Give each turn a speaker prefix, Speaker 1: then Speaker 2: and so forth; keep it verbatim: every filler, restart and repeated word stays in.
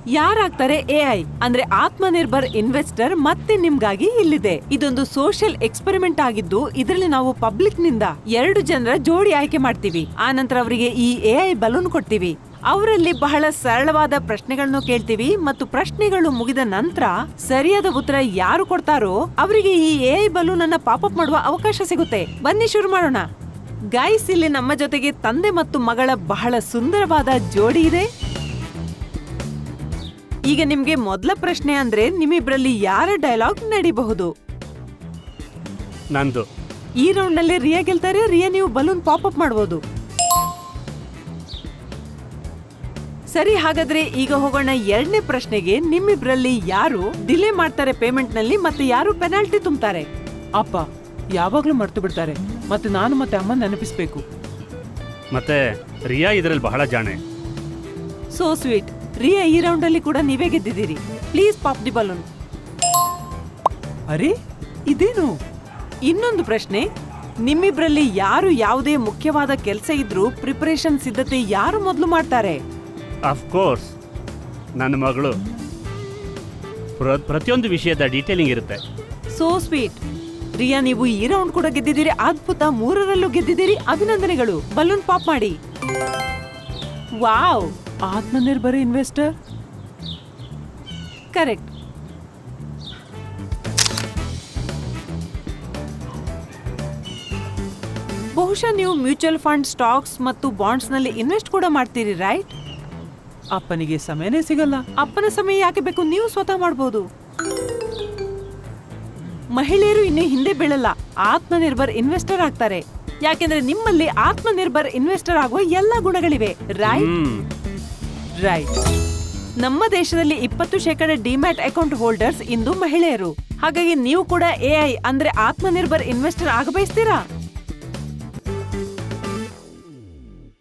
Speaker 1: ಯಾರಾಗ್ತಾರೆ AI ಅಂದ್ರೆ Atmanirbhar investor ಮತ್ತೆ ನಿಮ್ಗಾಗಿ ಇಲ್ಲಿದೆ. ಇದೊಂದು ಸೋಷಿಯಲ್ ಎಕ್ಸ್ಪೆರಿಮೆಂಟ್ ಆಗಿದ್ದು ಇದರಲ್ಲಿ ನಾವು ಪಬ್ಲಿಕ್ ನಿಂದ ಎರಡು ಜನರ ಜೋಡಿ ಆಯ್ಕೆ ಮಾಡ್ತೀವಿ. ಆ ನಂತರ ಅವರಿಗೆ ಈ ಎಐ ಬಲೂನ್ ಕೊಡ್ತೀವಿ. ಅವರಲ್ಲಿ ಬಹಳ ಸರಳವಾದ ಪ್ರಶ್ನೆಗಳನ್ನು ಕೇಳ್ತೀವಿ ಮತ್ತು ಪ್ರಶ್ನೆಗಳು ಮುಗಿದ ನಂತರ ಸರಿಯಾದ ಉತ್ತರ ಯಾರು ಕೊಡ್ತಾರೋ ಅವರಿಗೆ ಈ ಎಐ ಬಲೂನ್ ಅನ್ನ ಪಾಪಪ್ ಮಾಡುವ ಅವಕಾಶ ಸಿಗುತ್ತೆ. ಬನ್ನಿ ಶುರು ಮಾಡೋಣ. ಗೈಸ್, ಇಲ್ಲಿ ನಮ್ಮ ಜೊತೆಗೆ ತಂದೆ ಮತ್ತು ಮಗಳ ಬಹಳ ಸುಂದರವಾದ ಜೋಡಿ ಇದೆ. ಈಗ ನಿಮ್ಗೆ ಮೊದಲ ಪ್ರಶ್ನೆ ಅಂದ್ರೆ ನಿಮ್ಮಿಬ್ರಲ್ಲಿ ಯಾರ ಡೈಲಾಗ್ ನಡಿಬಹುದು?
Speaker 2: ನಂದು.
Speaker 1: ಈ ರೌಂಡ್ ನಲ್ಲಿ ರಿಯಾ ಗೆಲ್ತಾರೆ. ರಿಯಾ, ನೀವು ಬಲೂನ್ ಪಾಪಪ್ ಮಾಡಬಹುದು. ಸರಿ, ಹಾಗಾದ್ರೆ ಈಗ ಹೋಗೋಣ ಎರಡನೇ ಪ್ರಶ್ನೆಗೆ. ನಿಮ್ಮಿಬ್ರಲ್ಲಿ ಯಾರು ಡಿಲೇ ಮಾಡ್ತಾರೆ ಪೇಮೆಂಟ್ ನಲ್ಲಿ ಮತ್ತೆ ಯಾರು ಪೆನಾಲ್ಟಿ ತುಂಬುತ್ತಾರೆ?
Speaker 3: ಅಪ್ಪ ಯಾವಾಗ್ಲೂ ಮರ್ತು ಬಿಡ್ತಾರೆ ಮತ್ತೆ ನಾನು ಮತ್ತೆ ಅಮ್ಮ ನೆನಪಿಸ್ಬೇಕು.
Speaker 2: ಮತ್ತೆ ರಿಯಾ ಇದರಲ್ಲಿ ಬಹಳ ಜಾಣೆ.
Speaker 1: So sweet. ರಿಯಾ, ಈ ರೌಂಡ್ ಅಲ್ಲಿ ಕೂಡ ನೀವೇ ಗೆದ್ದಿದ್ದೀರಿ. Please pop the balloon.
Speaker 3: ಅರೆ, ಇದೇನು?
Speaker 1: ಇನ್ನೊಂದು ಪ್ರಶ್ನೆ. ನಿಮ್ಮಿಬ್ರಲ್ಲಿ ಯಾರು ಯಾವುದೇ ಮುಖ್ಯವಾದ ಕೆಲಸ ಇದ್ರೂ ಪ್ರಿಪರೇಷನ್ ಸಿದ್ಧತೆ ಯಾರು ಮೊದಲು ಮಾಡ್ತಾರೆ?
Speaker 2: ಆಫ್ ಕೋರ್ಸ್ ನನ್ನ ಮಗಳು. ಪ್ರ- ಪ್ರತಿಯೊಂದು ವಿಷಯದ ಡೀಟೇಲಿಂಗ್ ಇರುತ್ತೆ.
Speaker 1: So sweet. ರಿಯಾ, ನೀವು ಈ ರೌಂಡ್ ಕೂಡ ಗೆದ್ದಿದ್ದೀರಿ. ಅದ್ಭುತ, ಮೂರರಲ್ಲೂ ಗೆದ್ದಿದ್ದೀರಿ. ಅಭಿನಂದನೆಗಳು. ಬಲೂನ್ ಪಾಪ್ ಮಾಡಿ. ವಾವ್,
Speaker 3: ಆತ್ಮನಿರ್ಭರ ಇನ್ವೆಸ್ಟರ್.
Speaker 1: ಕರೆಕ್ಟ್. ಬಹುಶಃ ನೀವು ಮ್ಯೂಚುವಲ್ ಫಂಡ್, ಸ್ಟಾಕ್ಸ್ ಮತ್ತು ಬಾಂಡ್ಸ್ ನಲ್ಲಿ ಇನ್ವೆಸ್ಟ್ ಕೂಡ ಮಾಡ್ತೀರಿ, ರೈಟ್?
Speaker 3: ಅಪ್ಪನಿಗೆ ಸಮಯನೇ ಸಿಗಲ್ಲ.
Speaker 1: ಅಪ್ಪನ ಸಮಯ ಯಾಕೆ ಬೇಕು? ನೀವು ಸ್ವತಃ ಮಾಡಬಹುದು. ಮಹಿಳೆಯರು ಇನ್ನು ಹಿಂದೆ ಬೀಳಲ್ಲ, ಆತ್ಮನಿರ್ಭರ್ ಇನ್ವೆಸ್ಟರ್ ಆಗ್ತಾರೆ. ಯಾಕೆಂದ್ರೆ ನಿಮ್ಮಲ್ಲಿ ಆತ್ಮನಿರ್ಭರ್ ಇನ್ವೆಸ್ಟರ್ ಆಗುವ ಎಲ್ಲಾ ಗುಣಗಳಿವೆ, ರೈಟ್?
Speaker 2: ಹ್ಮ್.
Speaker 1: ರೈಟ್. ನಮ್ಮ ದೇಶದಲ್ಲಿ ಇಪ್ಪತ್ತು ಶೇಕಡ ಡಿಮ್ಯಾಟ್ ಅಕೌಂಟ್ ಹೋಲ್ಡರ್ಸ್ ಇಂದು ಮಹಿಳೆಯರು. ಹಾಗಾಗಿ ನೀವು ಕೂಡ ಎಐ ಅಂದ್ರೆ ಆತ್ಮನಿರ್ಭರ್ ಇನ್ವೆಸ್ಟರ್ ಆಗಬಯಸ್ತೀರಾ?